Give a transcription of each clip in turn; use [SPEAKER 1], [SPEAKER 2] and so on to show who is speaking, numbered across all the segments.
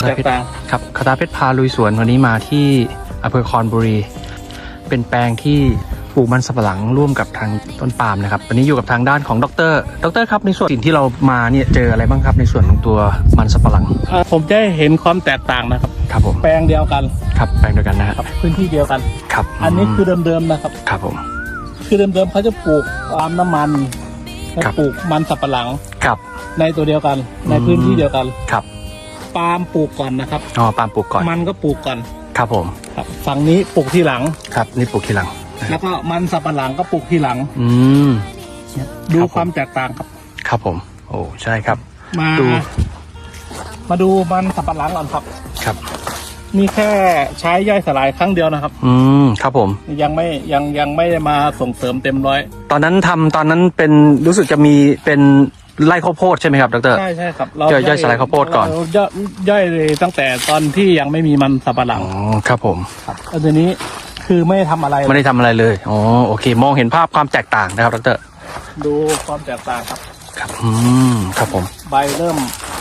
[SPEAKER 1] ตกต่าง
[SPEAKER 2] ครับคาถาเพชรพาลุยสวนวันนี้มาที่อำเภอคอนบุรีเป็นแปลงที่ปลูกมันสำปะหลังร่วมกับทางต้นปาล์มนะครับวันนี้อยู่กับทางด้านของดรครับในส่วนสิ่งที่เรามาเนี่ยเจออะไรบ้างครับในส่วนของตัวมันสำปะหลัง
[SPEAKER 1] ผมจะเห็นความแตกต่างนะครับ
[SPEAKER 2] ครับผม
[SPEAKER 1] แปลงเดียวกัน
[SPEAKER 2] ครับแปลงเดียวกันนะครับ
[SPEAKER 1] พื้นที่เดียวกัน
[SPEAKER 2] ครับ
[SPEAKER 1] อันนี้คือเดิมๆนะครับ
[SPEAKER 2] ครับผม
[SPEAKER 1] คือเดิมๆเขาจะปลูกปาล์มน้ำมันปลูกมันสำปะหลัง
[SPEAKER 2] ครับ
[SPEAKER 1] ในตัวเดียวกันในพื้นที่เดียวกัน
[SPEAKER 2] ครับ
[SPEAKER 1] ปาล์มปลูกก่อนนะครับ
[SPEAKER 2] ปาล์มปลูกก่อน
[SPEAKER 1] มันก็ปลูกก่อน
[SPEAKER 2] ครับผม
[SPEAKER 1] ครับฝั่งนี้ปลูกทีหลัง
[SPEAKER 2] ครับนี่ปลูกทีหลัง
[SPEAKER 1] แล้วก็มันสำปะหลังก็ปลูกทีหลังดูความแตกต่างครับ
[SPEAKER 2] ครับผมโอ้ใช่ครับ
[SPEAKER 1] มาดูมันสำปะหลังก่อนครับ
[SPEAKER 2] ครับ
[SPEAKER 1] มีแค่ใช้ย่อยสลายครั้งเดียวนะครับ
[SPEAKER 2] ครับผม
[SPEAKER 1] ยังไม่ได้มาส่งเสริมเต็มร้อย
[SPEAKER 2] ตอนนั้นเป็นรู้สึกจะมีเป็นไร่ข้าวโพดใช่ไหมครับดร.
[SPEAKER 1] ใช่ครับ
[SPEAKER 2] เราย่อยสลายข้าวโพดก่อน
[SPEAKER 1] ย่อยเลยตั้งแต่ตอนที่ยังไม่มีมันสำปะหลัง
[SPEAKER 2] ครับผม
[SPEAKER 1] ครับทีนี้คือไม่ได้ทำอะไร
[SPEAKER 2] เลยโอเคมองเห็นภาพความแตกต่างนะครับดร.
[SPEAKER 1] ดูความแตกต่างครับ
[SPEAKER 2] ครับครับผม
[SPEAKER 1] ใบเริ่ม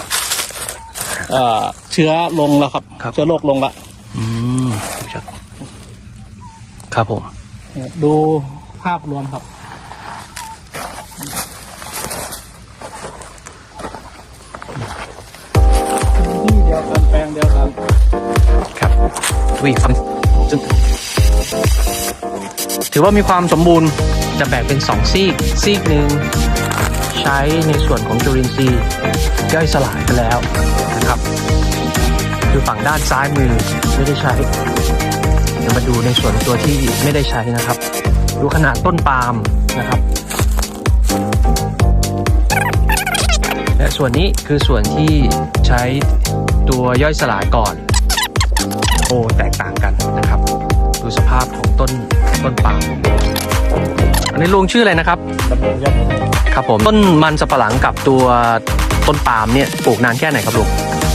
[SPEAKER 1] เชื้อลงแล้วครับเชื้อโรคลงละ
[SPEAKER 2] ครับผม
[SPEAKER 1] ดูภาพรวมครับที่เดียวกันแปลงเดียวกัน
[SPEAKER 2] ครับถือว่ามีความสมบูรณ์จะแบ่งเป็น2ซีกหนึ่งใช้ในส่วนของจุลินทรีย์ย่อยสลายไปแล้วนะครับคือฝั่งด้านซ้ายมือไม่ได้ใช้เดี๋ยวมาดูในส่วนตัวที่ไม่ได้ใช้นะครับดูขนาดต้นปาล์มนะครับและส่วนนี้คือส่วนที่ใช้ตัวย่อยสลายก่อนแตกต่างกันนะครับดูสภาพของต้นปาล์มอันนี้ลุงชื่ออะไรนะครับครับผมต้นมันสำปะหลังกับตัวต้นปาล์มเนี่ยปลูกนานแค่ไหนครับลุง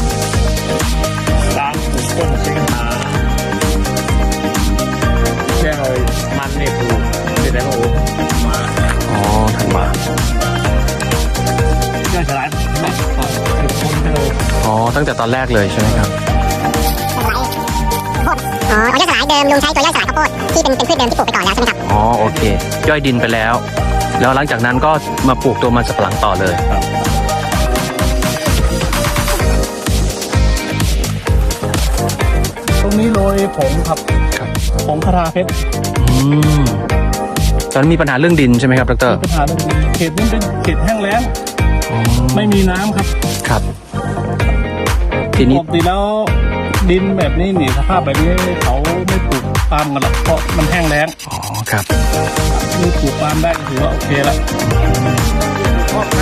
[SPEAKER 1] ต้นใช้กันมาแค่เลยมันเนี่ยปลูกเป็นแล้วมา
[SPEAKER 2] ทันมา
[SPEAKER 1] ย่อยสลาย
[SPEAKER 2] ตั้งแต่ตอนแรกเลยใช่ไหมครับ
[SPEAKER 3] ย่อยสลายเดิมลุงใช้ตัวย่อยสลายข้าวโพดที่เป็นพืชเดิมที่ปลูกไปก่อนแล้วใช่ไหมครับ
[SPEAKER 2] โอเคย่อยดินไปแล้วหลังจากนั้นก็มาปลูกตัวมันสำปะหลังต่อเลย
[SPEAKER 1] ตรงนี้โรยผงครับผงคาถาเพชร
[SPEAKER 2] ตอนนั้นมีปัญหาเรื่องดินใช่ไหมครับดร.
[SPEAKER 1] ปัญหาเรื่องดินเขตนี้เป็นเขตแห้งแล้งไม่มีน้ำ
[SPEAKER 2] ครับทีนี้
[SPEAKER 1] ปกติแล้วดินแบบนี้สภาพแบบนี้เขาไม่ปลูกปาล์มกันหรอกเพราะมันแห้งแล้ง
[SPEAKER 2] ครับ
[SPEAKER 1] นี่ปลูกปาล์มได้ถือว่าโอเคแล้วเพราะ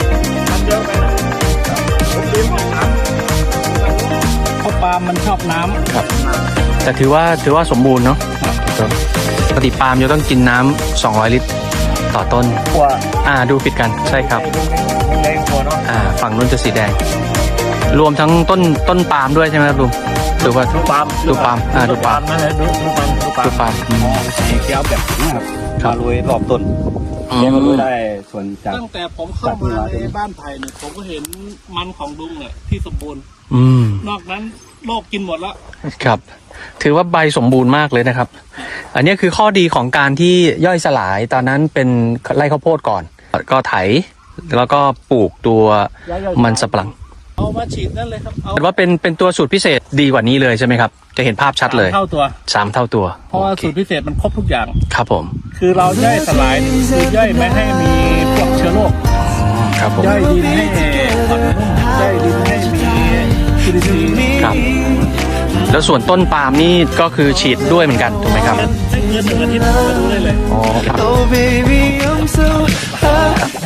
[SPEAKER 1] ปาล์มมันชอบน้ำ
[SPEAKER 2] ครับแต่ถือว่าสมบูรณ์เนาะปกติปาล์มจะต้องกินน้ำ200 ลิตรต่อต้นดูผิดกันใช่ครับฝั่งนู้นจะสีแดงรวมทั้งต้นปาล์มด้วยใช่ไหมครับลุงหรือว่า
[SPEAKER 1] ดูปาล์ม
[SPEAKER 2] ดูปาล์ม
[SPEAKER 1] ดูปาล์มเกี่ยวแบบนี้ครับมาลุยรอบต้นแกมาลุยได้ส่วนจากตั้งแต่ผมเข้ามาในบ้านไผ่เนี่ยผมก็เห็นมันของลุงเนี่ยที่สมบูรณ์นอกนั้นโลกกินหมดแล้ว
[SPEAKER 2] ครับถือว่าใบสมบูรณ์มากเลยนะครับอันนี้คือข้อดีของการที่ย่อยสลายตอนนั้นเป็นไร่ข้าวโพดก่อนก็ไถแล้วก็ปลูกตัวมันสำปะหลัง
[SPEAKER 1] เอามาฉีดนั่นเลยครับ
[SPEAKER 2] แต่ว่าเป็นตัวสูตรพิเศษดีกว่านี้เลยใช่ไหมครับจะเห็นภาพชัดเลย3 เท่าตัว
[SPEAKER 1] เพราะว่าสูตรพิเศษมันครบทุกอย่าง
[SPEAKER 2] ครับผม
[SPEAKER 1] คือเราย่อยสลายคือย่อยไม่ให้มีพวกเชื้อโรค
[SPEAKER 2] ครับผม
[SPEAKER 1] ย่อยดินให้อ่อนนุ่มย่อยดินให้มีจุลินทรีย์
[SPEAKER 2] ครับแล้วส่วนต้นปาล์มนี่ก็คือฉีดด้วยเหมือนกันถูกไหมครับ
[SPEAKER 1] ให้เงิน1 อาทิตย์มาดูได้เลย
[SPEAKER 2] ครับ